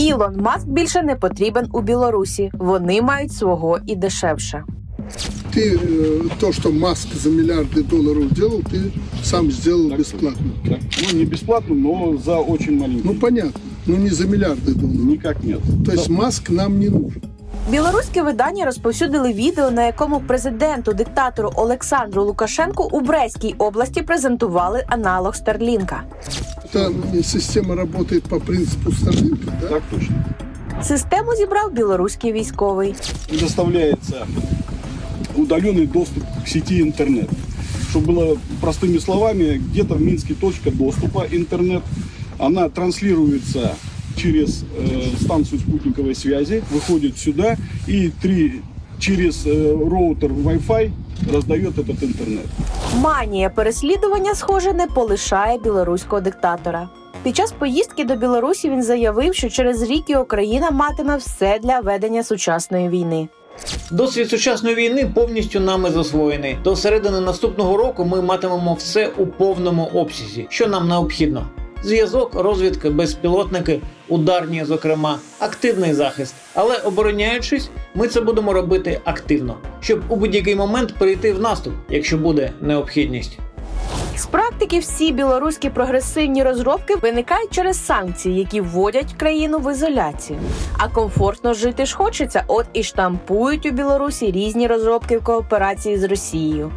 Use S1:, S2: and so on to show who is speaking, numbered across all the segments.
S1: Ілон Маск більше не потрібен у Білорусі. Вони мають свого і дешевше.
S2: То, что Маск за миллиарды долларов делал, ты сам сделал бесплатно.
S3: Ну, не бесплатно, но за очень маленький.
S2: Ну, понятно. Но не за миллиарды долларов.
S3: Никак нет.
S2: То есть Маск нам не нужен.
S1: Білоруське видання розповсюдили відео, на якому президенту-диктатору Олександру Лукашенку у Брестській області презентували аналог Старлінка.
S2: Эта система работает по принципу Старлинка, да?
S3: Так точно.
S1: Систему зібрав білоруський військовий.
S3: Предоставляется удаленный доступ к сети интернет. Чтобы было простыми словами, где-то в Минске точка доступа интернет. Она транслируется через станцию спутниковой связи, выходит сюда и через роутер Wi-Fi раздает этот интернет.
S1: Манія переслідування, схоже, не полишає білоруського диктатора. Під час поїздки до Білорусі він заявив, що через рік його країна матиме все для ведення сучасної війни.
S4: Досвід сучасної війни повністю нами засвоєний. До середини наступного року ми матимемо все у повному обсязі, що нам необхідно. Зв'язок, розвідка, безпілотники, ударні, зокрема, активний захист. Але обороняючись, ми це будемо робити активно, щоб у будь-який момент перейти в наступ, якщо буде необхідність.
S1: З практики всі білоруські прогресивні розробки виникають через санкції, які вводять країну в ізоляцію. А комфортно жити ж хочеться, от і штампують у Білорусі різні розробки в кооперації з Росією.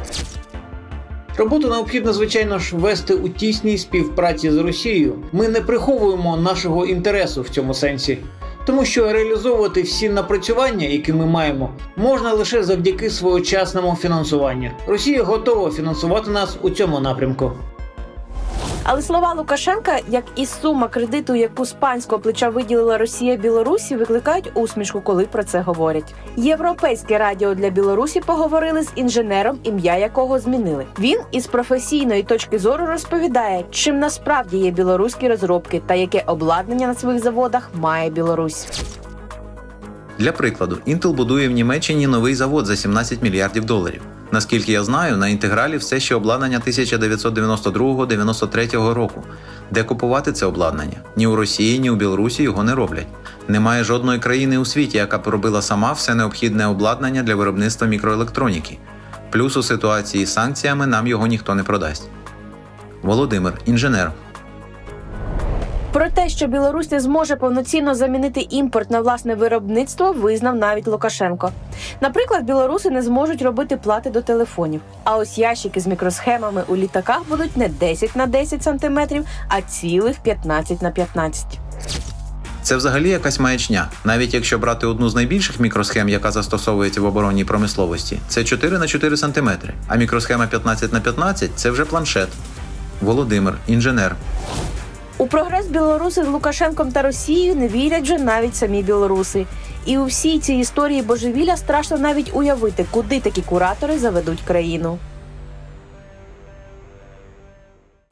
S4: Роботу необхідно, звичайно ж, вести у тісній співпраці з Росією. Ми не приховуємо нашого інтересу в цьому сенсі. Тому що реалізовувати всі напрацювання, які ми маємо, можна лише завдяки своєчасному фінансуванню. Росія готова фінансувати нас у цьому напрямку.
S1: Але слова Лукашенка, як і сума кредиту, яку з панського плеча виділила Росія Білорусі, викликають усмішку, коли про це говорять. Європейське радіо для Білорусі поговорили з інженером, ім'я якого змінили. Він із професійної точки зору розповідає, чим насправді є білоруські розробки та яке обладнання на своїх заводах має Білорусь.
S5: Для прикладу, Intel будує в Німеччині новий завод за 17 мільярдів доларів. Наскільки я знаю, на інтегралі все ще обладнання 1992-93 року. Де купувати це обладнання? Ні у Росії, ні у Білорусі його не роблять. Немає жодної країни у світі, яка б робила сама все необхідне обладнання для виробництва мікроелектроніки. Плюс у ситуації з санкціями нам його ніхто не продасть. Володимир, інженер.
S1: Про те, що Білорусь не зможе повноцінно замінити імпорт на власне виробництво, визнав навіть Лукашенко. Наприклад, білоруси не зможуть робити плати до телефонів. А ось ящики з мікросхемами у літаках будуть не 10 на 10 см, а цілих 15 на 15.
S5: Це взагалі якась маячня. Навіть якщо брати одну з найбільших мікросхем, яка застосовується в оборонній промисловості, це 4 на 4 см, а мікросхема 15 на 15 – це вже планшет. Володимир, інженер.
S1: У прогрес білоруси з Лукашенком та Росією не вірять вже навіть самі білоруси. І у всій цій історії божевілля страшно навіть уявити, куди такі куратори заведуть країну.